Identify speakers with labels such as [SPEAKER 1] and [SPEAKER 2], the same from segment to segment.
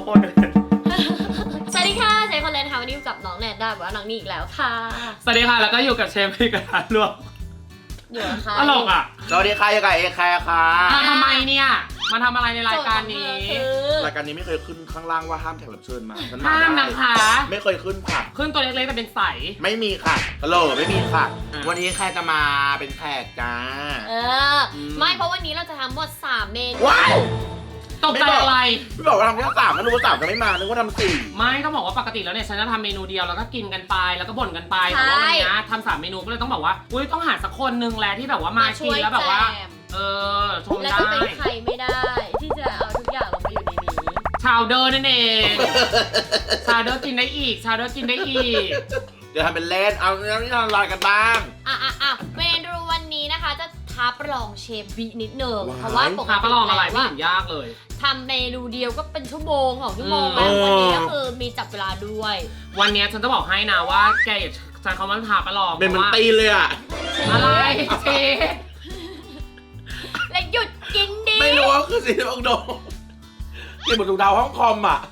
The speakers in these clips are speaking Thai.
[SPEAKER 1] โคนเลย
[SPEAKER 2] สวัสดีค่ะเชฟคนเลนค่ะวันนี้อยู่กับน้องแนนได้ว่าน้องนี่อีกแล้วค่ะ
[SPEAKER 1] สวัสดีค่ะแล้วก็อยู่กับเชฟพี่กระทะลวก
[SPEAKER 2] อยู่นะคะ
[SPEAKER 1] ตลกอ่ะ
[SPEAKER 3] สวัสดีค่ะอยู่กับเอแคร์ค่ะ
[SPEAKER 1] ทำไมเนี่ยมาทำอะไรในรายการนี้
[SPEAKER 3] รายการนี้ไม่เคยขึ้นข้างล่างว่าห้ามแขกรับเชิญมาฉันมา
[SPEAKER 1] ห้าม
[SPEAKER 3] ได้
[SPEAKER 1] นะคะ
[SPEAKER 3] ไม่เคยขึ้นค่ะ
[SPEAKER 1] ขึ้นตัวเล็กๆแต่เป็นใส
[SPEAKER 3] ไม่มีค่ะฮัลโหลไม่มีค่ะ วันนี้แคร์จะมาเป็นแขกจ้า
[SPEAKER 2] ไม่เพราะวันนี้เราจะทำหมด3เมนู
[SPEAKER 3] ว้าว
[SPEAKER 1] ตกใจอะไร
[SPEAKER 3] ไม่บอกว่าทำแค่3ก็รู้ว่า3จะไม่มานึกว่าทำ4
[SPEAKER 1] ไม่ต้องบอกว่าปกติแล้วเนี่ยฉันจะทำเมนูเดียวแล้วก็กินกันไปแล้วก็บ่นกันไปแต่ว่าวันนี้ทำ3เมนูก็เลยต้องบอกว่าอุ้ยต้องหาสักคนนึงแหละที่แบบว่ามากินแล้วแบบว่าชมได้
[SPEAKER 2] แล้วจะเป็นใครไม่ได้ที่จะเอาทุกอย่างลงมาอยู่ในนี้
[SPEAKER 1] ชาวเดอร์นั่นเองชาวเดอร์กินได้อีกชาวเดอร์กินได้อีก
[SPEAKER 3] เดี๋ยวทำเป็นเล่นเอาเรื่องที่ทำลายกันบ้าง
[SPEAKER 2] เมนูวันนี้นะคะจะท้าประลองเชฟบีนิดนึงเพราะว่าปกติ
[SPEAKER 1] ท้าประลองอะไรไม่เห็นยากเลย
[SPEAKER 2] ทำเมนูเดียวก็เป็นชั่วโมง2 ชั่วโมงแล้ววันนี้ก็คือมีจับเวลาด้วย
[SPEAKER 1] วันนี้ฉันจะบอกให้นะว่าแกอย่าใช้คำว่าท้าประลอง
[SPEAKER 3] เป็นมันตีเลยอะ
[SPEAKER 1] อะไรเชฟ
[SPEAKER 2] และหยุดกินดิ
[SPEAKER 3] ไม่รู้ว่าคือสีบังโดกินหมดทุกดาวห้องคอมอะ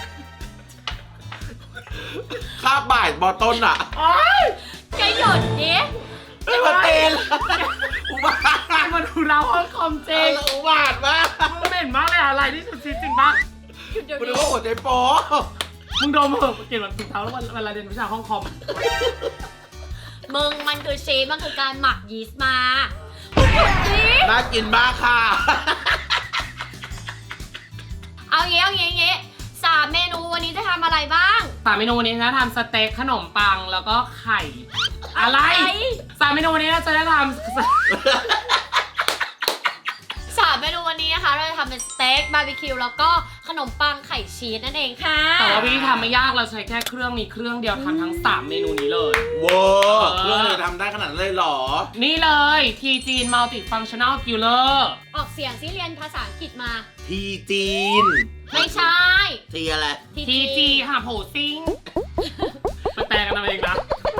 [SPEAKER 3] คาบบ่ายบอต้นอะ
[SPEAKER 2] แกหยุดดิ
[SPEAKER 3] ไม่มาเตนอุบาท
[SPEAKER 1] มาดูเราห้องคอมเจง
[SPEAKER 3] อุบาทมาก
[SPEAKER 1] มึงเหม็นมากเลยอะไรที่สุดจริงปะ
[SPEAKER 3] มึงดูว่าหัวใจโป๊
[SPEAKER 1] มึงดมเหอะเก็บหลังถุงเท้าแล้วเวลาเรียนวิชาห้องคอม
[SPEAKER 2] มึงมันคือเชฟมันคือการหมักยีสต์มา
[SPEAKER 3] น่ากินมากค่ะ
[SPEAKER 2] เอาเงี้ย3 เมนูวันนี้จะทำอะไรบ้าง
[SPEAKER 1] 3 เมนูวันนี้จะทำสเต็กขนมปังแล้วก็ไข่อะไร3 เมนูวันนี้เราจะได้ทำ
[SPEAKER 2] 3 เมนูวันนี้นะคะเราจะทำเป็นสเต็กบาร์บีคิวแล้วก็ขนมปังไข่ชีสนั่นเองค่ะ
[SPEAKER 1] แต่ว่าวิธีทำไม่ยากเราใช้แค่เครื่องมีเครื่องเดียวทำทั้ง3 เมนูนี้เลย
[SPEAKER 3] ว้าวเครื่องเลยทำได้ขนาดนั้นเลยหรอ
[SPEAKER 1] นี่เลย T-Gene Multifunctional Griller
[SPEAKER 2] ออกเสียงซิเรียนภาษาอังกฤษมา
[SPEAKER 3] ทีจีน
[SPEAKER 2] ไม่ใช่
[SPEAKER 3] ทีอะไร
[SPEAKER 1] TG ค่ะโผซิงไปแปลกันเอาเองนะ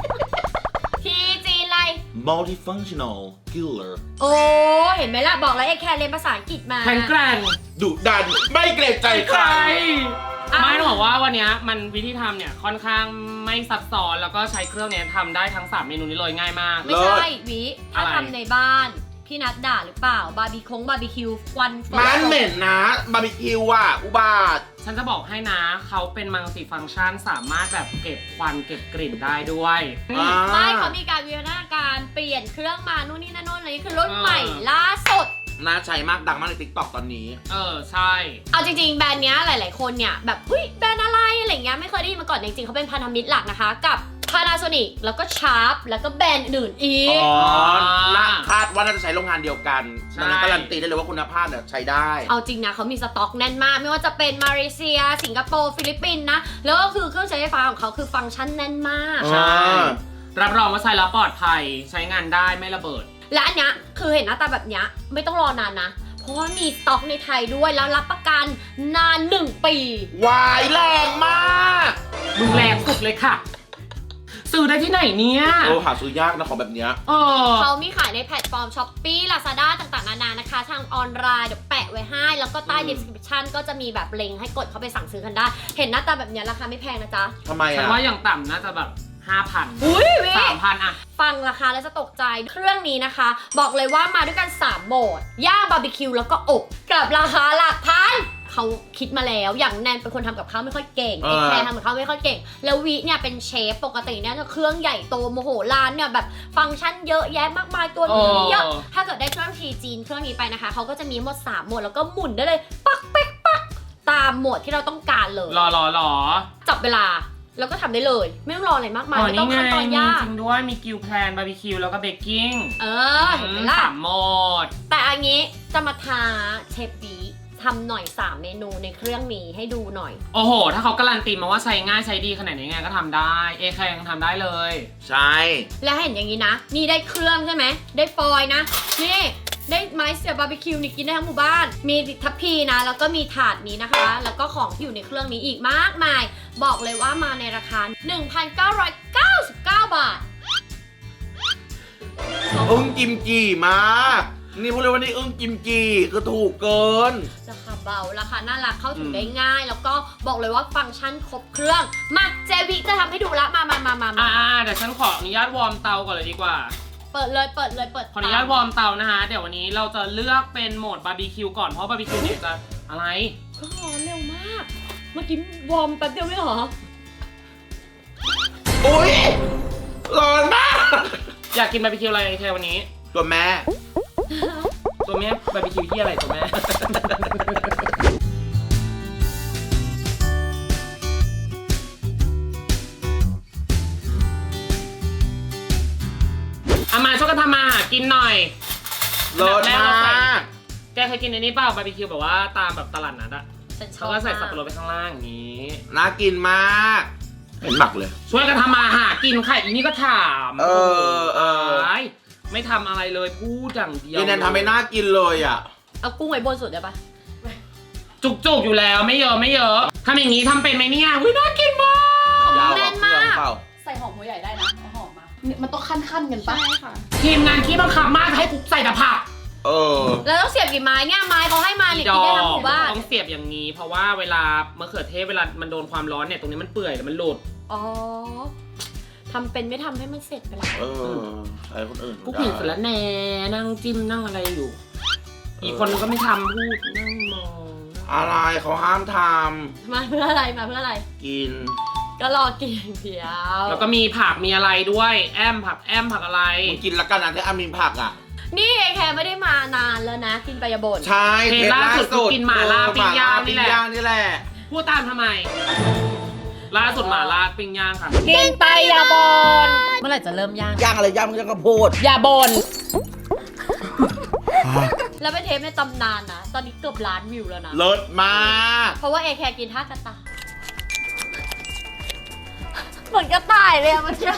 [SPEAKER 2] TG อะไร
[SPEAKER 3] Multifunctional Griller
[SPEAKER 2] โอ้เห็นไหมล่ะบอกแล้วไอ้แค่เรียนภาษาอังกฤษมา
[SPEAKER 1] แข็งแกร่ง
[SPEAKER 3] ดุดันไม่เกรงใจใคร
[SPEAKER 1] ไม่ต้องบอกว่าวันนี้มันวิธีทำเนี่ยค่อนข้างไม่ซับซ้อนแล้วก็ใช้เครื่องนี้ทำได้ทั้ง3 เมนูนี้เลยง่ายมาก
[SPEAKER 2] ไม่ใช่วิถ้าทำในบ้านพี่นัดด่าหรือเปล่าบาร์บีคิวควัน
[SPEAKER 3] มันเหม็นนะบาร์บีคิวอ่ะอุบาท
[SPEAKER 1] ฉันจะบอกให้นะเขาเป็นมัลติฟังก์ชันสามารถแบบเก็บควันเก็บกลิ่นได้ด้วย
[SPEAKER 2] ไม่เขามีการวิวัฒนาการเปลี่ยนเครื่องมานู่นนี่นั่นอะไรนี่คือรุ่นใหม่ล่าสุด
[SPEAKER 3] น่าใช้มากดังมากใน TikTok ตอนนี้
[SPEAKER 1] ใช่
[SPEAKER 2] เอาจริงๆแบรนด์เนี้ยหลายๆคนเนี่ยแบบเฮ้ยแบรนด์อะไรอะไรเงี้ยไม่เคยได้ยินมาก่อนจริงๆเขาเป็นพันธมิตรหลักนะคะกับ Panasonic แล้วก็ Sharp แล้วก็แบรนด์อื่นอีก
[SPEAKER 3] คาดว่าน่าจะใช้โรงงานเดียวกันดังนั้นการันตีได้เลยว่าคุณภาพเนี่ยใช้ได้
[SPEAKER 2] เอาจริงนะเขามีสต็อกแน่นมากไม่ว่าจะเป็นมาเลเซียสิงคโปร์ฟิลิปปินส์นะแล้วก็คือเครื่องใช้ไฟฟ้าของเขาคือฟังก์ชันแน่นมาก
[SPEAKER 1] ใช่รับรองว่าใช้แล้วปลอดภัยใช้งานได้ไม่ระเบิด
[SPEAKER 2] และอันเนี้ยคือเห็นหน้าตาแบบเนี้ยไม่ต้องรอนานนะเพราะว่ามีสต็อกในไทยด้วยแล้วรับประกันนาน1 ปี
[SPEAKER 3] วายแรงมาก
[SPEAKER 1] มึงแรงสุดเลยค่ะซื้อได้ที่ไหนเนี่ย
[SPEAKER 3] หาซื้อยากนะของแบบเนี้ย
[SPEAKER 2] เขามีขายในแพลตฟอร์ม Shopee Lazada ต่างๆนานานะคะทางออนไลน์เดี๋ยวแปะไว้ให้แล้วก็ใต้ description ก็จะมีแบบลิงก์ให้กดเข้าไปสั่งซื้อกันได้เห็นหน้าตาแบบเนี้ยราคาไม่แพงนะจ๊ะ
[SPEAKER 3] ทำไม
[SPEAKER 1] ฉันว่าอย่างต่ำน่าจะแบบ5,000
[SPEAKER 2] อุ้ย
[SPEAKER 1] 3,000อะ
[SPEAKER 2] ฟังราคาแล้วจะตกใจเครื่องนี้นะคะบอกเลยว่ามาด้วยกัน3 โหมดย่างบาร์บีคิวแล้วก็อบกับราคาหลักพันเขาคิดมาแล้วอย่างแนนเป็นคนทำกับข้าวไม่ค่อยเก่งแคร์ทำกับข้าวไม่ค่อยเก่งแล้ววิเนี่ยเป็นเชฟปกติเนี่ยเครื่องใหญ่โตโมโหร้านเนี่ยแบบฟังก์ชันเยอะแยะมากมายตัวนี้เยอะถ้าเกิดได้เครื่องทีจีนเครื่องนี้ไปนะคะเขาก็จะมีหมด3 โหมดแล้วก็หมุนได้เลยปักเป๊กปักตามโหมดที่เราต้องการเลย
[SPEAKER 1] รอ
[SPEAKER 2] จับเวลาแล้วก็ทำได้เลยไม่ต้องรออะไรมากมายไม่ต้องขั้นตอนยาก
[SPEAKER 1] จริงด้วยมีกิลแพลนบาร์บีคิวแล้วก็เบกกิ้ง
[SPEAKER 2] เห็นไหมล่ะ
[SPEAKER 1] 3 โหมด
[SPEAKER 2] แต่อันนี้จะมาท้าเชฟบีทำหน่อย3 เมนูในเครื่องนี้ให้ดูหน่อย
[SPEAKER 1] โอ้โหถ้าเขาการันตีมาว่าใช้ง่ายใช้ดีขนาดนี้ไงก็ทำได้ใครยังทำได้เลย
[SPEAKER 3] ใช่
[SPEAKER 2] แล้วเห็นอย่างนี้นะนี่ได้เครื่องใช่ไหมได้ฟอยล์นะนี่ได้ไม้เสียบบาร์บีคิวนี่กินได้ทั้งหมู่บ้านมีทัพพีนะแล้วก็มีถาดนี้นะคะแล้วก็ของที่อยู่ในเครื่องนี้อีกมากมายบอกเลยว่ามาในราคา 1,999 บาท
[SPEAKER 3] กิมจีมากนี่พูดเลยว่านี่อึ้งกิมจีคือถูกเกิน
[SPEAKER 2] ราคาเบาราคาน่ารักเข้าถึงได้ง่าย แล้วก็บอกเลยว่าฟังก์ชันครบเครื่องมาเจวิจะทำให้ดูละมา
[SPEAKER 1] เดี๋ยวฉันขออนุญาตวอร์มเตาก่อนเลยดีกว่า
[SPEAKER 2] เปิดเลย
[SPEAKER 1] ขออนุญาตวอร์มเตานะคะเดี๋ยววันนี้เราจะเลือกเป็นโหมดบาร์บีคิวก่อนเพราะบาร์บีคิวเนี่ยจะอะไร
[SPEAKER 2] ก็ร้อนเร็วมากเมื่อกี้วอร์มแป๊บเดียวไม่เหรอ
[SPEAKER 3] อุ้ยร้อนมาก
[SPEAKER 1] อยากกินบาร์บีคิวอะไรแค่วันนี้
[SPEAKER 3] ตัวแม่
[SPEAKER 1] ตัวแม่บาร์บีคิวที่อะไรตัวแม่ เอามาช่วยกันทำมาหากินหน่อย
[SPEAKER 3] ร้อนมาก
[SPEAKER 1] แกเคยกินในนี้เปล่าบาร์บีคิวแบบว่าตามแบบตลาดนัดอะ
[SPEAKER 2] ฉันชอ
[SPEAKER 1] เขา
[SPEAKER 2] บ
[SPEAKER 1] ก็ใส่สับปะรดไปข้างล่างอย่างนี้
[SPEAKER 3] น่ากินมากเห็นหมักเลย
[SPEAKER 1] ช่วยกันทำมาหากินค่ะอีนี่ก็ถาม
[SPEAKER 3] เออ
[SPEAKER 1] ไม่ทำอะไรเลยพูดอย่างเดียว
[SPEAKER 3] นี่แนนทำให้น่ากินเลยอ่ะ
[SPEAKER 2] เอากุ้งไว้บนสุดได้ปะ
[SPEAKER 1] จุกๆอยู่แล้วไม่เยอะทำอย่างนี้ทำเป็นไหมเนี่ยวิน่ากินมาก
[SPEAKER 3] ยาวกว่าเครื่องเปล่า
[SPEAKER 4] ใส่หอมหัวใหญ่ได้นะเอาหอมมาเนี่ยมันต้องขั้นๆกันปะ
[SPEAKER 5] ใช่ค่ะ
[SPEAKER 1] ทีมงานขี้บังคับมากให้กูใส่แต่ผัก
[SPEAKER 3] เออ
[SPEAKER 2] แล้วต้องเสียบกี่ไม้เนี่ยไม้เขาให้มาเนี่ยกินได้ทั้งหมู่บ้าน
[SPEAKER 1] ต้องเสียบอย่างนี้ เพราะว่าเวลามะเขือเทศเวลามันโดนความร้อนเนี่ยตรงนี้มันเปื่อยแล้วมันหลุด
[SPEAKER 2] อ๋อทำเป็นไม่ทำให้มันเสร็จไปแล้ว
[SPEAKER 3] เออใช้คนอื่น
[SPEAKER 1] กูผิดเสร็จแล้วแน่นั่งจิ้มนั่งอะไรอยู่ อีกคนนึงก็ไม่ทำพูดนั่งมอง
[SPEAKER 3] อะไรเขาห้ามท
[SPEAKER 2] มาเพื่ออะไรมาเพื่ออะไร
[SPEAKER 3] ำกิน
[SPEAKER 2] ก็รอกินอย่างเดียว
[SPEAKER 1] แล้วก็มีผักมีอะไรด้วยแอมผักอะไร
[SPEAKER 3] มึงกินแล้วกันนะที่อามีผักอ่ะ
[SPEAKER 2] นี่เอแคร์ไม่ได้มานานแล้วนะ กินไปอย่าบ่น
[SPEAKER 3] ใช่
[SPEAKER 1] เทปล่าสุดกินหม่าล่าปิ้งย่างนี่แหละ
[SPEAKER 3] นี่แหละ
[SPEAKER 1] พูดตามทำไม ล่าสุดหม่าล่าปิ้งย่างค่ะ
[SPEAKER 2] กินไปอย่าบ่นเมื่อไหร่จะเริ่มย่าง
[SPEAKER 3] ย่างอะไรย่างกระโพด
[SPEAKER 1] อย่าบ่น
[SPEAKER 2] แล้วเป็นเทปในตำนานนะ ตอนนี้เกือบล้านวิวแล้วนะ
[SPEAKER 3] เลิศมาก
[SPEAKER 2] เพราะว่าเอแคร์กินท่ากระต่ายเหมือนกระต่ายเลยอะเมื่อกี้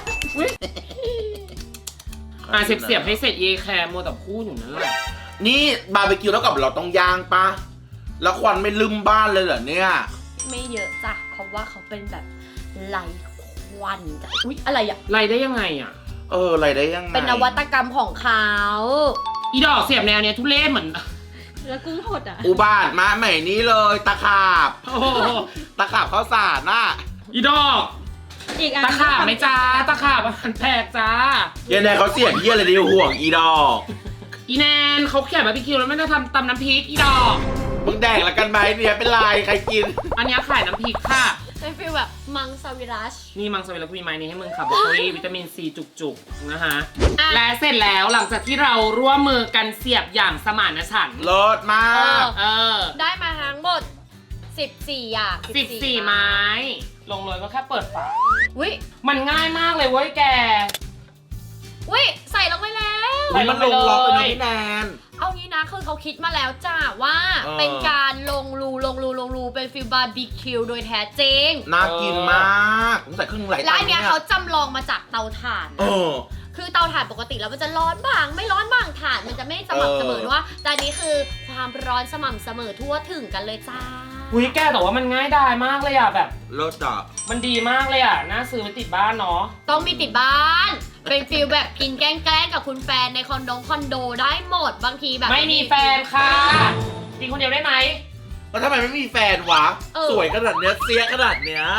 [SPEAKER 1] เสียบให้เสร็จเอแคร์มัวแต่พูดอยู่นั่นแหละ
[SPEAKER 3] นี่บาร์บีคิวแล้วกับเราต้องย่างปะแล้วควันไม่ลืมบ้านเลยเหรอเนี่ย
[SPEAKER 2] ไม่เยอะจ้ะเพราะว่าเขาเป็นแบบไร้ควันจ้ะอุ๊ยอะไรอะ
[SPEAKER 1] ไรได้ยังไงอ่ะ
[SPEAKER 3] อะไรได้ยังไง
[SPEAKER 2] เป็นนวัตกรรมของเขา
[SPEAKER 1] อีดอกเสียบแนวเนี้ยทุเรศเหมือน
[SPEAKER 5] แล้วกุ้งหดอ่ะ
[SPEAKER 3] อุบาทมาใหม่นี้เลยตะขาบ
[SPEAKER 1] โอ้โห
[SPEAKER 3] ตะขาบข้าวสารน่ะ
[SPEAKER 1] อีดอก
[SPEAKER 5] อีกอัน
[SPEAKER 1] ตะขาบไหมจ้าตะขาบมันแพกจ้า
[SPEAKER 3] เยันแนเขาเสียบเยี่ยอะไรดิห่วงอีดอก
[SPEAKER 1] อีแนนเขาเขียนบาร์บีคิวแล้วไม่ได้ทำตำน้ำพริกอีดอก
[SPEAKER 3] มึงแดกละกันไหมเนี่ยเป็นไรใครกิน
[SPEAKER 1] อันเนี้ยขายน้ำพริกค่ะ
[SPEAKER 2] เป็นฟีลแบบมังสวิรัช
[SPEAKER 1] นี่มังสวิรัติมีไม้นี้ให้มึงค่ะบรอกโคลีวิตามินซีจุกๆนะคะ
[SPEAKER 2] อ่ะ
[SPEAKER 1] และเสร็จแล้วหลังจากที่เราร่วมมือกันเสียบอย่างสมานฉันท์
[SPEAKER 3] เลิศมาก
[SPEAKER 1] เออ
[SPEAKER 2] ได้มาทั้งหมด 14 อย่าง
[SPEAKER 1] 14 ไม้ ลงเลยก็แค่เปิดฝา
[SPEAKER 2] วิ
[SPEAKER 1] มันง่ายมากเลยเว้ยแก
[SPEAKER 2] วิใส่ลงไปแล้ว
[SPEAKER 1] ใส่ล
[SPEAKER 3] มั
[SPEAKER 1] ง
[SPEAKER 3] น
[SPEAKER 1] ไป
[SPEAKER 3] ลงล็อกเลย
[SPEAKER 1] เล
[SPEAKER 3] นะ
[SPEAKER 1] ย
[SPEAKER 3] พี่แนน
[SPEAKER 2] เอางี้นะคือเขาคิดมาแล้วจ้าว่า
[SPEAKER 3] เออ
[SPEAKER 2] เป็นการลงรูเป็นฟิลบาร์บีคิวโดยแท้จริง
[SPEAKER 3] น่ากินมากผมใส่เครื่องไหล
[SPEAKER 2] และอันเนี้ยเขาจำลองมาจากเตาถ่าน
[SPEAKER 3] เอ
[SPEAKER 2] นะ
[SPEAKER 3] อ
[SPEAKER 2] คือเตาถ่านปกติแล้วมันจะร้อนบ้างไม่ร้อนบ้างถ่านมันจะไม่สม่ำเสมอด้วยแต่อันนี้คือความร้อนสม่ำเสมอทั่วถึงกันเลยจ้า
[SPEAKER 1] หุยแกแต่ว่ามันง่ายดายมากเลยอ่ะแบบ
[SPEAKER 3] เลิศอ่ะ
[SPEAKER 1] มันดีมากเลยอ่ะ น่าซื้อไปติดบ้านเนาะ
[SPEAKER 2] ต้องมีติดบ้าน เป็นฟิลแบบกินแกล้งๆกับคุณแฟนในคอนโดได้หมดบางทีแบบ
[SPEAKER 1] ไม่มีแฟนค่ะกินคนเดียวได้ไหม
[SPEAKER 3] แล้วทำไมไม่มีแฟนวะ สวยขนาดเนี้ยเสียขนาดเนี้ย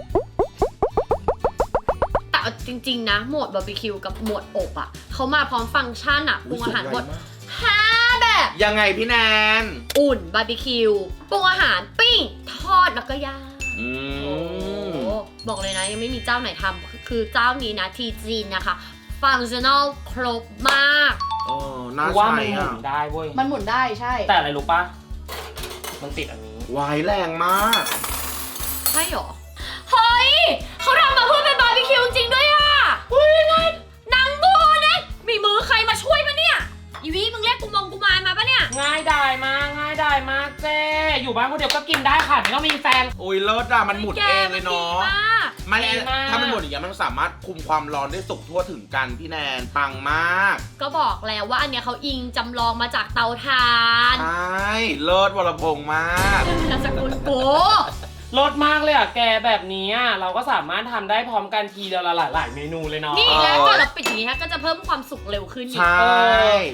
[SPEAKER 2] แต่เอาจริงๆนะโหมดบาร์บีคิวกับโหมดอบอ่ะเขามาพร้อมฟังก์ชันอ่ะปรุงอาหารหมด5 แบบ
[SPEAKER 3] ยังไงพี่แนน
[SPEAKER 2] อุ่นบาร์บีคิวปรุงอาหารปิ้งทอดแล้วก็ย่าง
[SPEAKER 3] อื
[SPEAKER 2] โอ้
[SPEAKER 3] ม
[SPEAKER 2] บอกเลยนะยังไม่มีเจ้าไหนทำคือเจ้านี้นะทีจีนนะคะฟังชั่นอลครบมาก
[SPEAKER 3] น่า
[SPEAKER 1] ว่า
[SPEAKER 3] ใช้
[SPEAKER 1] มันหมุ
[SPEAKER 3] อ่ะ
[SPEAKER 1] นได้เว้ย
[SPEAKER 4] มันหมุนได้ใช่
[SPEAKER 1] แต่อะไรรู้ปะมันติดอันนี้
[SPEAKER 3] วายแรงมาก
[SPEAKER 2] ใช่หรอ เฮ้ยเขาทำมาเพื่อเป็นบาร์บีคิวจริงด้วยอ่ะอุ้ยไงนางโบเนี่ยมีมือใครมาช่วยปะเนี่ยอีวีมึงเรียกกูมายมาปะเนี่ย
[SPEAKER 1] ง่ายดายมากง่ายดายมากเจ๊อยู่บ้านคนเดียวก็กินได้ค่ะไม่ต้องมีแฟน
[SPEAKER 3] โอ้ยเลิศอ่ะมันหมุนเองเลยเนาะ
[SPEAKER 2] แกมันดีมาก
[SPEAKER 3] มัน
[SPEAKER 1] ดีมาก
[SPEAKER 3] ถ้ามันหมุนอย่างเงี้ยมันสามารถคุมความร้อนได้สุกทั่วถึงกันพี่แนนปังมาก
[SPEAKER 2] ก็บอกแล้วว่าอันเนี้ยเขาอิงจำลองมาจากเตาถ่าน
[SPEAKER 3] ใช่เลิศวรพงษ์มาก
[SPEAKER 2] นามสกุลโอ้
[SPEAKER 1] รสมากเลยอ่ะแกแบบนี้อ่ะเราก็สามารถทำได้พร้อมกันทีเดียวละหลายๆเมนูเลยเนาะ
[SPEAKER 2] นี่แล้วก่อนเราปิดอย่างนี้ฮะก็จะเพิ่มความสุกเร็วขึ้นอี
[SPEAKER 3] ใช
[SPEAKER 2] ก่
[SPEAKER 3] ส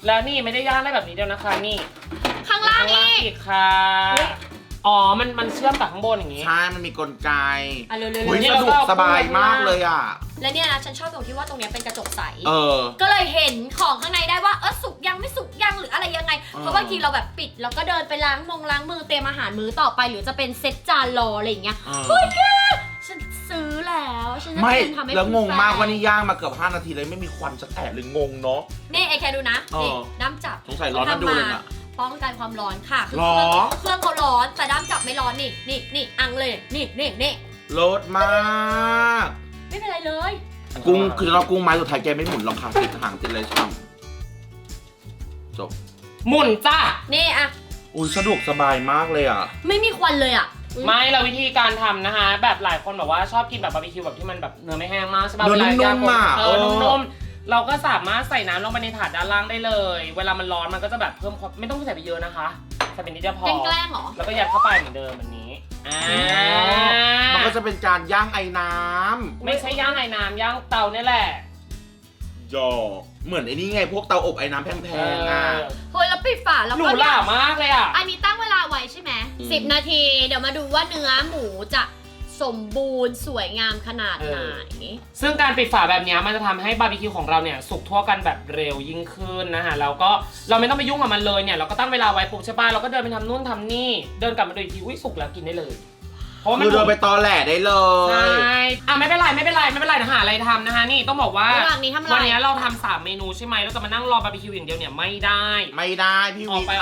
[SPEAKER 1] แล้วนี่ไม่ได้ย่างได้แบบนี้เดียวนะคะนี่
[SPEAKER 2] ข้างล่าง
[SPEAKER 1] ข้างล่าง
[SPEAKER 2] อีก
[SPEAKER 1] อีกค่ะอ๋อมันเชื่อมกับข้างบนอย่างนี้
[SPEAKER 3] ใช่มันมีกลไก
[SPEAKER 2] อ่ะเร็ว
[SPEAKER 3] อุ้ย
[SPEAKER 1] นี่
[SPEAKER 3] ส
[SPEAKER 1] เรา
[SPEAKER 3] นุ
[SPEAKER 1] ก็
[SPEAKER 3] ก
[SPEAKER 1] เอา
[SPEAKER 3] สบายมากเลยอ่ะ
[SPEAKER 2] ๆและเนี่ยนะฉันชอบตรงที่ว่าตรงเนี้ยเป็นกระจกใส
[SPEAKER 3] เออ
[SPEAKER 2] ก็เลยเห็นของข้างในได้ว่าสุกยังไม่สุกยังหรืออะไรยังไง
[SPEAKER 3] อ๋อ
[SPEAKER 2] เพราะบางทีเราแบบปิดแล้วก็เดินไปล้างมือเตรียมอาหารมื้อต่อไปหรือจะเป็นเซตจานรออะไรอย่างเงี้ย เฮ้ยแกฉันซื้อแล้วฉันจะ
[SPEAKER 3] ไม่
[SPEAKER 2] เตรียมทำให้
[SPEAKER 3] แล้วงงมากว่านี่
[SPEAKER 2] คุณ
[SPEAKER 3] ย่างมาเกือบ5 นาทีเลยไม่มีควันสักแอะเลยงงเนาะ
[SPEAKER 2] แฟนนี่ไอ้แคดูนะ
[SPEAKER 3] อ๋อ
[SPEAKER 2] นี่ด้ามจับ
[SPEAKER 3] สงสัยร้อนน่าดูเลยน่ะ
[SPEAKER 2] ป้องกันความร้อนค่ะคือ
[SPEAKER 3] หรอ
[SPEAKER 2] เครื่องเขาร้อนแต่ด้ามจับไม่ร้อนนี่อังเลยนี่
[SPEAKER 3] รสมาก
[SPEAKER 2] ไม่เป็นไรเลย
[SPEAKER 3] กุ้งคือเรากุ้งไม้สุดท้ายแกไม่หมุนหรอกค่ะติดหางติดอะไรช่ำจบ
[SPEAKER 1] หมุนจ้า
[SPEAKER 2] นี่อะ
[SPEAKER 3] อุ้ยสะดวกสบายมากเลยอ่ะ
[SPEAKER 2] ไม่มีควันเลยอะ
[SPEAKER 1] ไม่เราวิธีการทำนะคะแบบหลายคนแบบว่าชอบกินแบบบาร์บีคิวแบบที่มันแบบเนื้อไม่แห้งมากใช่ป่ะ
[SPEAKER 3] เนื้อ
[SPEAKER 1] เวลาย่าง
[SPEAKER 3] นุ่มๆอะ
[SPEAKER 1] นุ่มๆเราก็สามารถใส่น้ำลงไปในถาดด้านล่างได้เลย เวลามันร้อนมันก็จะแบบเพิ่มความไม่ต้องใส่ไปเยอะนะคะใส่เป็นนิดเดียวพอ
[SPEAKER 2] แกล้งๆเหรอ
[SPEAKER 1] แล้วก็ยัดเข้าไปเหมือนเดิมแบบนี้
[SPEAKER 3] มันก็จะเป็นการย่างไอ้น้
[SPEAKER 1] ไม่ใช่ย่างไอ้น้ำย่างเตาเนี่ยแหละ
[SPEAKER 3] ำหยอกเหมือนไอ้นี่ไงพวกเตาอบไอ้น้ำแพงๆอ่ะ
[SPEAKER 2] เฮ้ยแล้วปิดฝาแล้ว
[SPEAKER 1] หรู
[SPEAKER 2] ก็
[SPEAKER 1] ห
[SPEAKER 2] เนี่ย
[SPEAKER 1] รามากเลยอ่ะ
[SPEAKER 2] อันนี้ตั้งเวลาไว้ใช่ไหม
[SPEAKER 3] อืม
[SPEAKER 2] 10 นาที เดี๋ยวมาดูว่าเนื้อหมูจะสมบูรณ์สวยงามขนาดไหน
[SPEAKER 1] ซึ่งการปิดฝาแบบนี้มันจะทำให้บาร์บีคิวของเราเนี่ยสุกทั่วกันแบบเร็วยิ่งขึ้นนะคะแล้วก็เราไม่ต้องไปยุ่งกับมันเลยเนี่ยเราก็ตั้งเวลาไว้ปุ๊บใช่ป่ะเราก็เดินไปทำนู่นทำนี่เดินกลับมาดูอีกทีอุ้ยสุกแล้วกินได้เลยเพราะว่ามัน
[SPEAKER 3] คือเดินไปตอแหลได้เล
[SPEAKER 1] ใช่
[SPEAKER 3] ย
[SPEAKER 1] ไม่เป็นไรนะหาอะไรทำนะคะนี่ต้องบอกว่า
[SPEAKER 2] ระหว่างนี้ทำอะไร
[SPEAKER 1] วันนี้เราทำ3 เมนูใช่ไหมเราจะมานั่งรอบาร์บีคิวอย่างเดียวเนี่ยไม่ได้
[SPEAKER 3] ไม่ได้พี่
[SPEAKER 1] ออ
[SPEAKER 3] วิ
[SPEAKER 1] กไป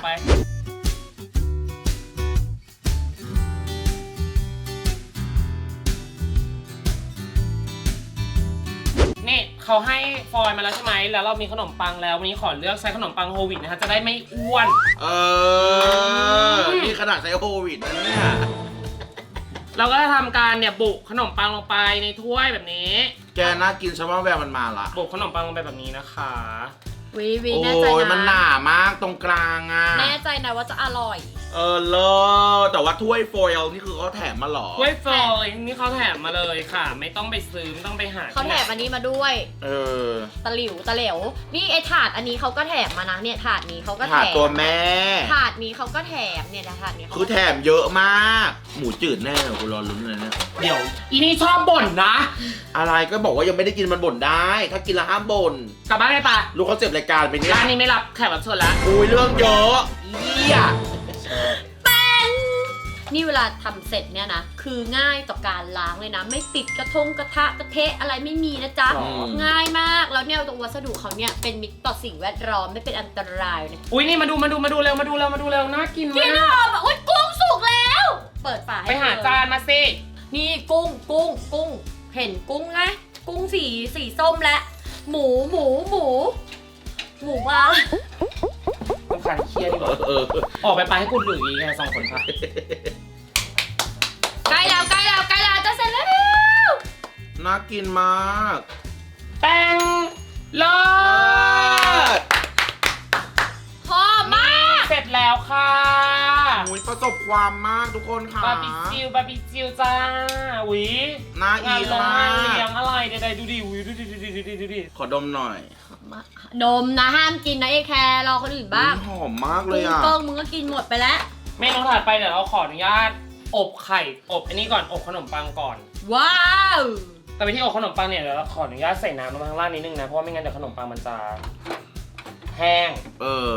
[SPEAKER 1] นี่เขาให้ฟอยล์มาแล้วใช่ไหมแล้วเรามีขนมปังแล้ววันนี้ขอเลือกใช้ขนมปังโฮลวีตนะคะจะได้ไม่อ้วน
[SPEAKER 3] เออนี่ขนาดใช้โควิดนะเนี่ย
[SPEAKER 1] เราก็จะทำการเนี่ยบุขนมปังลงไปในถ้วยแบบนี้
[SPEAKER 3] แกน่ากินชาวบ้านแววมันมาละ
[SPEAKER 1] บุขนมปังลงไปแบบนี้นะคะ
[SPEAKER 2] วี
[SPEAKER 3] โอ้
[SPEAKER 2] แน่ใจ
[SPEAKER 3] ยมันห
[SPEAKER 2] นะ
[SPEAKER 3] นามากตรงกลางอ่ะ
[SPEAKER 2] แน่ใจนะว่าจะอร่อย
[SPEAKER 3] เออเลิศแต่ว่าถ้วยโฟยล์นี่คือเขาแถมมาเหรอ
[SPEAKER 1] ถ้วยฟอยล์นี่เขาแถมมาเลยค่ะ ไม่ต้องไปซื้อไม่ต้องไปหา
[SPEAKER 2] เขาแถมอันนี้มาด้วย
[SPEAKER 3] เออ
[SPEAKER 2] ตะหลิวตะเหลวนี่ไอถาดอันนี้เขาก็แถมมานะเนี่ยถาดนี้เขาก็แถ
[SPEAKER 3] ถาด
[SPEAKER 2] ม
[SPEAKER 3] ตัวแม่
[SPEAKER 2] ถาดนี้เขาก็แถมเนี่ยนะถาดนี้เขา
[SPEAKER 3] คือแถมเยอะมาก หมูจืดแน่เลยกูรอลุ้นเลยเนี่ย
[SPEAKER 1] เดี๋ยวอีนี่ชอบบ่นนะ
[SPEAKER 3] อะไรก็บอกว่ายังไม่ได้กินมันบ่นได้ ถ้ากินแล้วห้ามบ่น
[SPEAKER 1] กลับบ้านไปปะ
[SPEAKER 3] รู้เขาเจ็บรายการไปเนี่ย
[SPEAKER 1] ร้านนี้ไม่รับแขกรับเชิญละ
[SPEAKER 3] อุ้ยเรื่องเยอะเยี่ย
[SPEAKER 2] นี่เวลาทำเสร็จเนี่ยนะคือง่ายต่อการล้างเลยนะ ไม่ติดกระทะเทะอะไรไม่มีนะจ๊ะ ง่ายมากแล้วเนี่ยตัววัสดุเขาเนี่ยเป็นมิตรต่อสิ่งแวดล้อมไม่เป็นอันตรายนะ
[SPEAKER 1] อุ้ยนี่มาดูเร็วน่ากิน
[SPEAKER 2] กิน
[SPEAKER 1] มาก
[SPEAKER 2] หอมอ่ะอุ้ยกุ้งสุกแล้ว เปิดฝาให้
[SPEAKER 1] ไปหา
[SPEAKER 2] เลย
[SPEAKER 1] จานมาสิ
[SPEAKER 2] นี่กุ้งเห็นกุ้งไหมกุ้งสีส้มและหมูมา
[SPEAKER 1] ต้องการเครียดดีกว่า
[SPEAKER 3] เออ
[SPEAKER 1] ออกไปให้กูหลุยไงสองคนค่ะ
[SPEAKER 2] ใกล้แล้วจะเสร็จแล้ว
[SPEAKER 3] น่ากินมาก
[SPEAKER 1] แป้งเลิศ
[SPEAKER 2] หอมมาก
[SPEAKER 1] เสร็จแล้วค่ะ
[SPEAKER 3] อุ้ยประสบความมากทุกคนค่ะ
[SPEAKER 1] บาร์บีคิวจ้าอุ้ย
[SPEAKER 3] น่าอี
[SPEAKER 1] งาน
[SPEAKER 3] ท
[SPEAKER 1] ลง
[SPEAKER 3] มาง
[SPEAKER 1] านเลี้ย
[SPEAKER 3] ก
[SPEAKER 1] งอะไรใดๆดูดิอุ้ยดูดิ
[SPEAKER 3] ขอดมหน่อย
[SPEAKER 2] นมนะห้ามกินนะไอ้แครรอคนอื่นบ้าง
[SPEAKER 3] อุ๊ยหอมมากเลย
[SPEAKER 2] กุ้ง
[SPEAKER 3] อ่ะ
[SPEAKER 2] เกิ้งมึงก็กินหมดไปแล้ว
[SPEAKER 1] เมนูถัดไปเดี๋ยวเราขออนุญาตอบไข่อบอันนี้ก่อนอบขนมปังก่อน
[SPEAKER 2] ว้าว
[SPEAKER 1] แต่วิธีอบขนมปังเนี่ยเดี๋ยวเราขออนุญาตใส่น้ำลงมาข้างล่างนิดนึงนะเพราะว่าไม่งั้นเดี๋ยวขนมปังมันจะแห้ง
[SPEAKER 3] เออ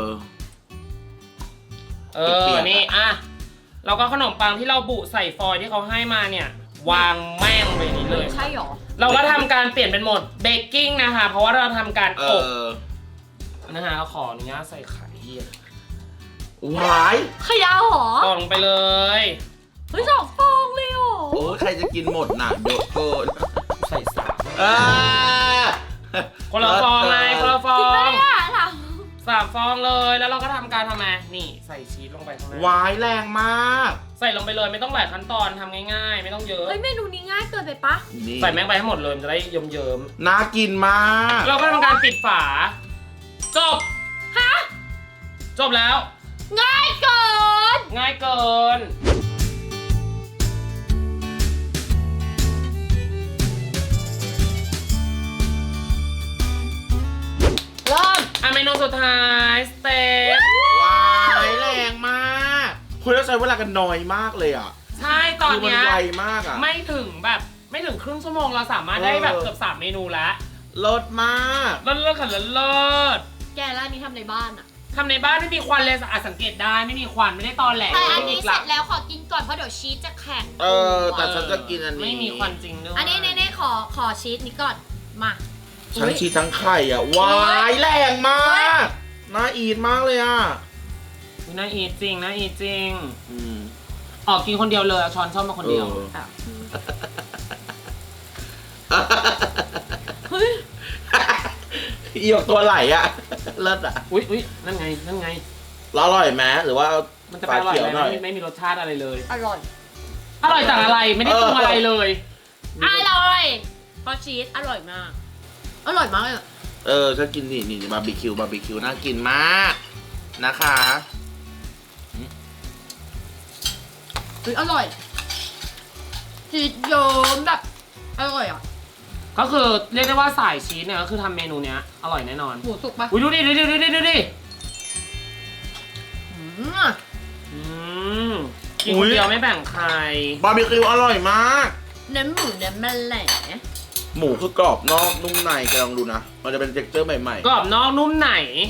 [SPEAKER 3] เปียกๆ
[SPEAKER 1] นี่อ่ะเราก็ขนมปังที่เราบุใส่ฟอยล์ที่เขาให้มาเนี่ยวางแม่งไปนี้เลย
[SPEAKER 2] ใช่หรอ
[SPEAKER 1] เราก็ทำการเปลี่ยนเป็นโหมดเบกกิ้งนะคะ เพราะว่าเราทำการ
[SPEAKER 3] เอ
[SPEAKER 1] อบ
[SPEAKER 3] อ
[SPEAKER 1] นะคะเราขออนุญาตใส่ไข่
[SPEAKER 3] หวาย
[SPEAKER 2] ขยาวหรอ
[SPEAKER 1] ก่อนลงไปเลย
[SPEAKER 2] เฮ้ย2 ฟองเลยหรอ
[SPEAKER 3] โอ้ใครจะกินหมดน่ะเยอะเกิน
[SPEAKER 1] ใส่สาม
[SPEAKER 3] เออ
[SPEAKER 1] คนละฟองไงคนละฟอ
[SPEAKER 2] จริงไหม
[SPEAKER 1] ง
[SPEAKER 2] เนี่ยถาม
[SPEAKER 1] 3 ฟองเลยแล้วเราก็ทำการทำไงนี่ใส่ชีสลงไปข้างใน
[SPEAKER 3] หวายแรงมาก
[SPEAKER 1] ใส่ลงไปเลยไม่ต้องหลายขั้นตอนทำง่ายๆ ไม่ต้องเยอะ
[SPEAKER 2] เฮ้ยเมนูนี้ง่ายเกินไปปะ
[SPEAKER 3] นี่
[SPEAKER 1] ใส่แม่งไปให้หมดเลยมันจะได้เยิ้ม
[SPEAKER 3] น่ากินมาก
[SPEAKER 1] ๆเราก็ทำการปิดฝา จบ
[SPEAKER 2] ฮะ
[SPEAKER 1] จบแล้ว
[SPEAKER 2] ง่ายเกิน
[SPEAKER 1] ง่ายเกิน
[SPEAKER 2] เริ่ม
[SPEAKER 1] เมนูสุดท้ายสเต็ก
[SPEAKER 3] ว้ายแรงมากคุณต้องใช้เวลากันน้อยมากเลยอ่ะ
[SPEAKER 1] ใช่ตอน
[SPEAKER 3] คือมัน
[SPEAKER 1] เนี้ย
[SPEAKER 3] ไวมากอ่ะ
[SPEAKER 1] ไม่ถึงครึ่งชั่วโมงเราสามารถได้แบบเกือบ3 เมนูแล้ว
[SPEAKER 3] รสมาก
[SPEAKER 1] เลิศค่ะเลิศ
[SPEAKER 2] แกร้านนี้ทำในบ้านอะ
[SPEAKER 1] ทำในบ้านไม่มีควันเลยสังเกตได้ไม่มีควันไม่ได้ตอนแหล
[SPEAKER 2] แต่อันนี้
[SPEAKER 1] ก
[SPEAKER 2] เสร็จแล้วขอกินก่อนเพราะเดี๋ยวชีสจะแข็ง
[SPEAKER 3] แต่ฉันจะกินอันนี้
[SPEAKER 1] ไม่มีควันจริงด้วย
[SPEAKER 2] อันนี้เน่ๆขอชีสนี้ก่อน มา
[SPEAKER 3] ทั้งชีสทั้งไข่อ่ะว้ายแรงมากน่าอีทมากเลยอ่ะ
[SPEAKER 1] อุ๊ยน่าอีทจริงน่าอีทจริง
[SPEAKER 3] อืม
[SPEAKER 1] ออกกินคนเดียวเลยเอาช้อนชอบมาคนเดียว
[SPEAKER 2] เฮ้ย
[SPEAKER 3] อีกตัวไหลอ่ะเลิศอ่ะ
[SPEAKER 1] อุ้ยนั่นไง
[SPEAKER 3] แล้วอร่อยไหมหรือว่า
[SPEAKER 1] มันจะไปอร่อย
[SPEAKER 3] เขียว
[SPEAKER 1] ไห
[SPEAKER 3] ห
[SPEAKER 1] ม
[SPEAKER 3] น่อย
[SPEAKER 1] ไม่มีรสชาติอะไรเลย
[SPEAKER 2] อร่อย
[SPEAKER 1] อร่อยจากอะไรไม่ได้ปรุงอะไรเลย
[SPEAKER 2] อร่อยเพราะชีสอร่อยมาก อร่อยมากเลยอะ
[SPEAKER 3] ฉันกินนี่บาร์บีคิวน่ากินมากนะคะ
[SPEAKER 2] เฮ้ยอร่อย ชีสเยิ้มแบบ อร่อยอ่ะ
[SPEAKER 1] ก็คือเรียกได้ว่าสายชีสเนี่ยก็คือทำเมนูเนี้ยอร่อยแน่นอน
[SPEAKER 2] หมูสุกปะ
[SPEAKER 1] อุ้ยดูดิ
[SPEAKER 2] อืม
[SPEAKER 1] กินคนเดียวไม่แบ่งใคร
[SPEAKER 3] บาร์บีคิวอร่อยมาก
[SPEAKER 2] เนื้อหมูเนื้อแมลง
[SPEAKER 3] หมูคือกรอบนอกนุ่มในแกลองดูนะมันจะเป็นเท็กเจอร์ใหม่
[SPEAKER 1] กรอบนอกนุ่มไหน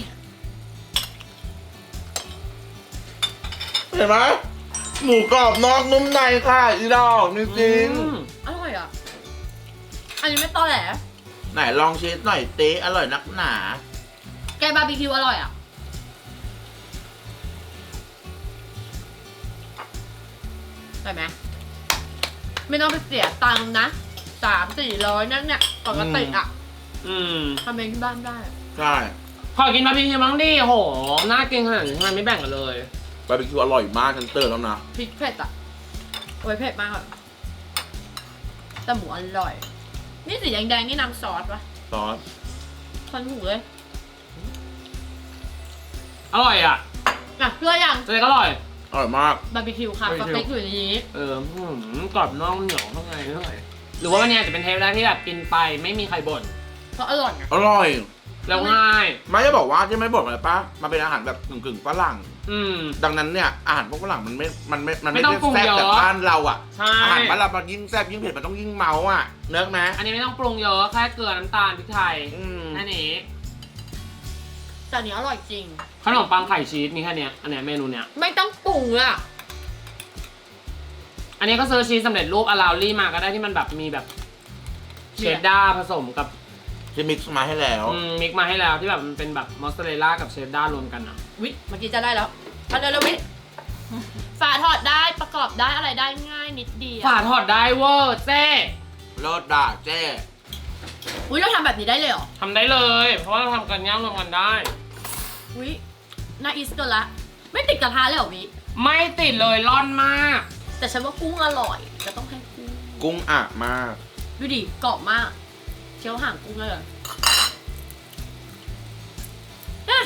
[SPEAKER 3] ๆเห็นไหมหมูกรอบนอกนุ่มในค่ะอีดอกจริง
[SPEAKER 2] อร่อยอ่ะ อันนี้ไม่ตอแหล
[SPEAKER 3] ๆไหนลองชีสหน่อยเต๊อร่อยนักหนา
[SPEAKER 2] แกบาร์บีคิวอร่อยอ่ะได้ไหมไม่ต้องไปเสียตังค์นะ300-400นั่นเนี่ยปกติอ่ะทำเองที่บ้านได้
[SPEAKER 3] ใช่
[SPEAKER 1] ขอกินบาร์บีคิวบ้างดิโหน่ากินขนาดนี้ทำไมไม่แบ่งกันเลย
[SPEAKER 3] บาร์บีคิวอร่อยมากฉันเตือนแล้วนะ
[SPEAKER 2] พริกเผ็ดอ่ะโอ้ยเผ็ดมากอะแต่หมูอร่อย นี่สีแดงๆนี่น้ำซอสปะ
[SPEAKER 3] ซอส
[SPEAKER 2] คนหูเลย
[SPEAKER 1] อร่อยอ่ะ
[SPEAKER 2] อ่ะเพื่อยัง
[SPEAKER 1] เจ๊ก็อร่อย
[SPEAKER 3] อร่อยมาก
[SPEAKER 2] บาร์บีคิวค่ะ
[SPEAKER 1] บาร์บี
[SPEAKER 2] ส
[SPEAKER 1] คิว
[SPEAKER 2] เต็กอยู่ในนี้
[SPEAKER 1] กรอบนอกเหนียวข้างในด้วยหรือว่าวันนี้จะเป็นเทปแรกที่แบบกินไปไม่มีใครบ่น
[SPEAKER 2] เพราะอร่อยไง
[SPEAKER 3] อร่อย
[SPEAKER 1] แล้วง่าย
[SPEAKER 3] ไม่จะบอกว่าที่ไม่บอกเลยป้ามันเป็นอาหารแบบกึ่งฝรั่ง ดังนั้นเนี่ยอาหารพวกฝรั่งมันไม่
[SPEAKER 1] ไม่ต้องปรุง
[SPEAKER 3] แซ่บ
[SPEAKER 1] เยอะ
[SPEAKER 3] แบบบ้านเราอ่ะ
[SPEAKER 1] ใช่
[SPEAKER 3] อาหารบ้านเรามันยิ่งแซ่บยิ่งเผ็ดมันต้องยิ่งเมาอ่ะเนื้อไหม
[SPEAKER 1] อันนี้ไม่ต้องปรุงเยอะแค่เกลือน้ำตาลพริกไทย
[SPEAKER 3] อืม
[SPEAKER 1] อันนี้
[SPEAKER 2] แต่อันนี้อร่อยจริง
[SPEAKER 1] ขนมปังไข่ชีสมีแค่เนี้ยอันเนี้ยเมนูเนี้ย
[SPEAKER 2] ไม่ต้องปรุงอ่ะ
[SPEAKER 1] อันนี้ก็ซื้อชีสสำเร็จรูปอาราลี่มาก็ได้ที่มันแบบมีแบบเชดดาร์ผสมกับ
[SPEAKER 3] ที่มิกซ์มาให้แล้ว
[SPEAKER 1] มิกมาให้แล้วที่แบบมันเป็นแบบมอสซาเรลล่ากับเชดดาร์รวมกันอ่ะ
[SPEAKER 2] วิเมื่อกี้จะได้แล้วเอาเร็วๆวิฝาถอดได้ประกอบได้อะไรได้ง่ายนิดเดียว
[SPEAKER 1] ฝาถอดได้เวอร์เจ๊
[SPEAKER 3] รสด่าเจ้
[SPEAKER 2] อุ้ยเราทำแบบนี้ได้เลยเหรอ
[SPEAKER 1] ทำได้เลย เพราะว่าเราทำกันย่างรวมกันได้
[SPEAKER 2] วิน่าอีสเกินละ ไม่ติดกระทะเลยเหรอวิ
[SPEAKER 1] ไม่ติดเลยร่อนมาก
[SPEAKER 2] แต่ฉันว่ากุ้งอร่อยจะต้องให้กุ้ง
[SPEAKER 3] กุ้งอ่ะมาก
[SPEAKER 2] ดูดิกรอบมากเคี้ยวห่างกุ้งเลยเนี่ย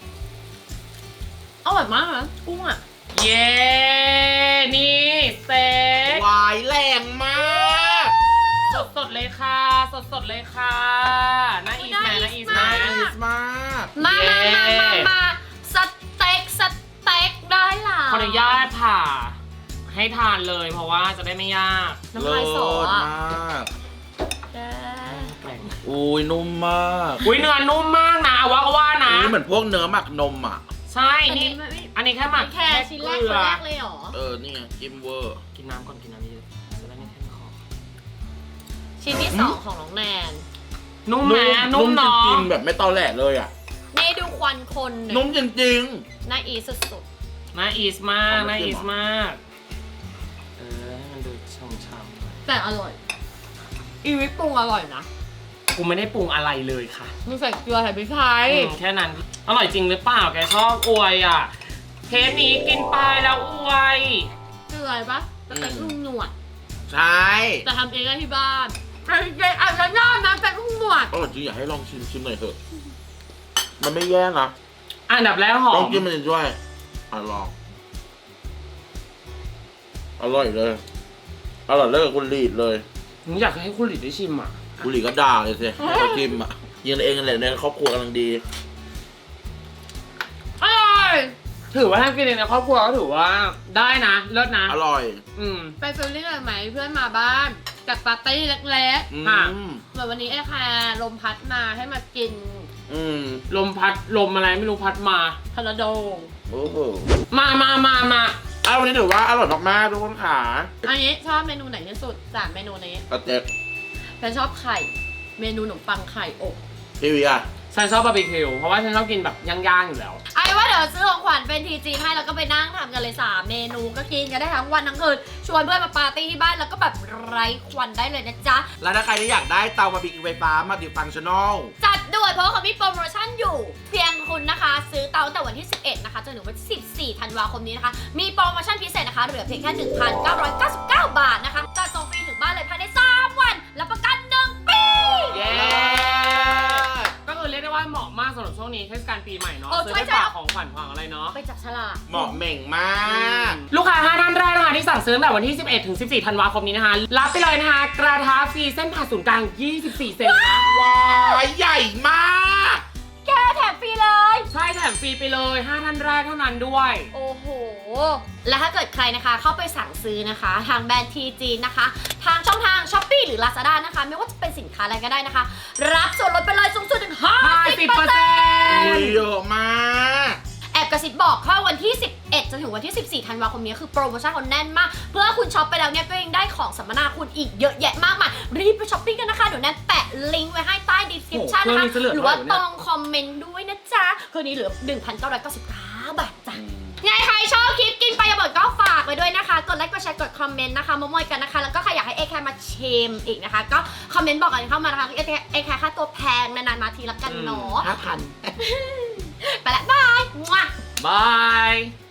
[SPEAKER 2] อร่อยมากนะกุ้งอ่ะ
[SPEAKER 1] เย้ นี่สเต็ก
[SPEAKER 3] วายแรงมาก
[SPEAKER 1] สดๆเลยค่ะ สดๆเลยค่ะน่าอีสแมน่าอีสแม
[SPEAKER 3] น่าอีสมาก
[SPEAKER 2] มาสเต็กได้ล่ะ
[SPEAKER 1] ขออนุญาตผ่าให้ทานเลยเพราะว่าจะได้ไม่ยาก
[SPEAKER 2] น้ำลายสอ
[SPEAKER 3] เลิศ
[SPEAKER 2] อ่ะ
[SPEAKER 3] มาก
[SPEAKER 2] แก
[SPEAKER 3] อุ้ยนุ่มมาก
[SPEAKER 1] อุ้ยเนื้อนุ่มมากนะว่าก็ว่านะ
[SPEAKER 3] นี่เหมือนพวกเนื้อหมักนมอ่ะ
[SPEAKER 1] ใช่ นี่ อันนี้แค่หมัก
[SPEAKER 2] แค่ชิ้นแรกคนแรกเลยเหรอ
[SPEAKER 3] นี่ไงจิ้มเวอร์
[SPEAKER 1] กินน้ำก่อนกินน้ำเยอะจะได้ไม่แห้งคอ
[SPEAKER 2] ชิ้นที่สองของน้องแนน
[SPEAKER 1] นุ่มไหมนุ่ม
[SPEAKER 3] จ
[SPEAKER 1] เนาะ
[SPEAKER 3] ริงๆแบบไม่ตอแหลเลยอ่ะ
[SPEAKER 2] นี่ดูควันคนหนึ่ง
[SPEAKER 3] นุ่มจริง
[SPEAKER 2] น่าอีสุด
[SPEAKER 1] น่าอีสมาก
[SPEAKER 3] เอามา
[SPEAKER 1] น่า
[SPEAKER 3] จิ้
[SPEAKER 1] อี
[SPEAKER 3] ม
[SPEAKER 1] ส
[SPEAKER 3] เหรอ
[SPEAKER 1] มากให้มันดูช่ำ
[SPEAKER 2] ๆแต่อร่อย อีวิปปรุงอร่อยนะ
[SPEAKER 1] ๆกูไม่ได้ปรุงอะไรเลยค่ะ
[SPEAKER 2] มีใส่เกลือใส่พริกไทย
[SPEAKER 1] แค่นั้นอร่อยจริงหรือเปล่าแกชอบอวยอ่ะเทปนี้กินไปแล้วอวย
[SPEAKER 2] เกลือปะสเต็กลุงหนวด
[SPEAKER 3] ๆ ใช่
[SPEAKER 2] แต่ทำเองได้ที่บ้านแต่จริงๆอาจจะยากนะสเต็กลุงหนวด
[SPEAKER 3] อร่อยจริงอยากให้ลองชิมหน่อยเถอะ มันไม่แย่นะ
[SPEAKER 1] อันดับแรกหอ
[SPEAKER 3] ลอง
[SPEAKER 1] ม
[SPEAKER 3] กินมันด้วยลอง อร่อยเลย อร่อยเลิกคุณลีดเลย
[SPEAKER 1] ผมอยากให้คุณหลิดได้ชิมอ่ะ
[SPEAKER 3] คุณลีดก็ด่าเลยสิให้เขาชิมอ่ะยิงเองกันแหละในครอบครัวกำลังดี
[SPEAKER 1] ถือว่าถ้ากินเองในครอบครัวก็ถือว่าได้นะเลิศนะ
[SPEAKER 3] อร่อย
[SPEAKER 2] ไปฟิลลิ่งอะไรไหมเพื่อนมาบ้านจัดปาร์ตี้เล็ก
[SPEAKER 1] ค่ะ
[SPEAKER 2] ๆเหมือนวันนี้ไอ้แคร์ลมพัดมาให้มากิน
[SPEAKER 1] ลมพัดลมอะไรไม่รู้พัดมา
[SPEAKER 2] ทอร์นาโด
[SPEAKER 3] โอ้โห
[SPEAKER 1] มา
[SPEAKER 3] วันนี้ถือว่าอร่อยมากๆทุกคนค่ะ
[SPEAKER 2] อันนี้ชอบเมนูไหนที่สุด3เมนูนี้
[SPEAKER 3] กระเจ็บ
[SPEAKER 2] ฉันชอบไข่เมนูขนมปังไข่อบ
[SPEAKER 3] พี่วีอะ
[SPEAKER 1] ฉันชอบบาร์บีคิวเพราะว่าฉันชอบกินแบบย่างๆอยู่แล้ว
[SPEAKER 2] ไอ้ว่าเดี๋ยวซื้อของขวัญเป็นทีจีให้แล้วก็ไปนั่งทำกันเลย3เมนูก็กินกันได้ทั้งวันทั้งคืนชวนเพื่อนมาปาร์ตี้ที่บ้านแล้วก็แบบไร้ควันได้เลยนะจ๊ะ
[SPEAKER 3] แล้วถ้าใครที่อยากได้เตาบาร์บีคิวไฟฟ้ามาติดฟังชั่นอล
[SPEAKER 2] จัดด่วนเพราะว่าเขามีโปรโมชั่นอยู่ เพียงคุณนะคะ ซื้อเตาตั้งแต่วันที่ 11 นะคะจนถึงวันที่14 ธันวาคมนี้นะคะ มีโปรโมชั่นพิเศษนะคะ เหลือเพียงแค่ 1,999 บาทนะคะจัดส่งฟรีถึงบ้านเลยภายใน 3 วันรับประกัน 1 ปี
[SPEAKER 1] เย้ ก็คือเรียกได้ว่าเหมาะมากสำหรับช่วงนี้เทศกาลปีใหม่เนาะ
[SPEAKER 2] โอ้
[SPEAKER 1] ซื้อ
[SPEAKER 2] ใช่
[SPEAKER 1] ไป
[SPEAKER 2] ใช่
[SPEAKER 1] ฝากของขวัญของอะไรเนาะ
[SPEAKER 2] ไปจับฉลาก
[SPEAKER 3] เหมาะเหม่งมาก
[SPEAKER 1] ลูกค้า5ท่านแรกนะคะที่สั่งซื้อตั้งแต่วันที่ 11 ถึง 14 ธันวาคมนี้นะคะ รับไปเลยนะคะกระทะฟรีเส้นผ่าศูนย์กลาง 24 เซนนะ
[SPEAKER 3] ว้ายใหญ่มาก
[SPEAKER 2] แกแถมฟรีเลย
[SPEAKER 1] ใช่แถมฟรีไปเลย5ท่านแรกเท่านั้นด้วย
[SPEAKER 2] โอ้โห และถ้าเกิดใครนะคะเข้าไปสั่งซื้อนะคะ ทางแบรนด์ทีจีนะคะ ทางช่องทาง Shopee หรือ Lazada นะคะ ไม่ว่าจะเป็นสินค้าอะไรก็ได้นะคะ รับส่วนลดไปเลยสูงสุดถึง 50%
[SPEAKER 3] เยอะมาก
[SPEAKER 2] แอบกระซิบบอกว่าวันที่ 11 จนถึงวันที่ 14 ธันวาคมนี้คือโปรโมชั่นเขาแน่นมาก เพื่อคุณช็อปไปแล้วเนี่ยก็ยังได้ของสัมมนาคุณอีกเยอะแยะมากมาย รีบไปช้อปปิ้งกันนะคะ เดี๋ยวแนนแปะลิงก์ไว้ให้ใต้ description
[SPEAKER 1] โอ้โห
[SPEAKER 2] นะคะ
[SPEAKER 1] เครื่องนี้จะเหลือ
[SPEAKER 2] หรือว่า
[SPEAKER 1] เท่าไหร่
[SPEAKER 2] ต
[SPEAKER 1] วะเนี่ย
[SPEAKER 2] รงคอมเมนต์ด้วยนะจ๊ะคืนนี้เหลือ 1,999 บาทจ้ะ ยังไงใครชอบคลิปกินไปอย่าบ่นก็ฝากไว้ด้วยนะคะ กดไลค์ กดแชร์ กดคอมเมนต์นะคะมามอยกันนะคะ แล้วก็ใครอยากให้เอแคร์มาชิมอีกนะคะ ก็คอมเมนต์บอกกันเข้ามานะคะเอแคร์ค่าตัวแพงนานๆมาทีละกันเนาะ
[SPEAKER 3] 5,000
[SPEAKER 2] ไปละบาย
[SPEAKER 1] บาย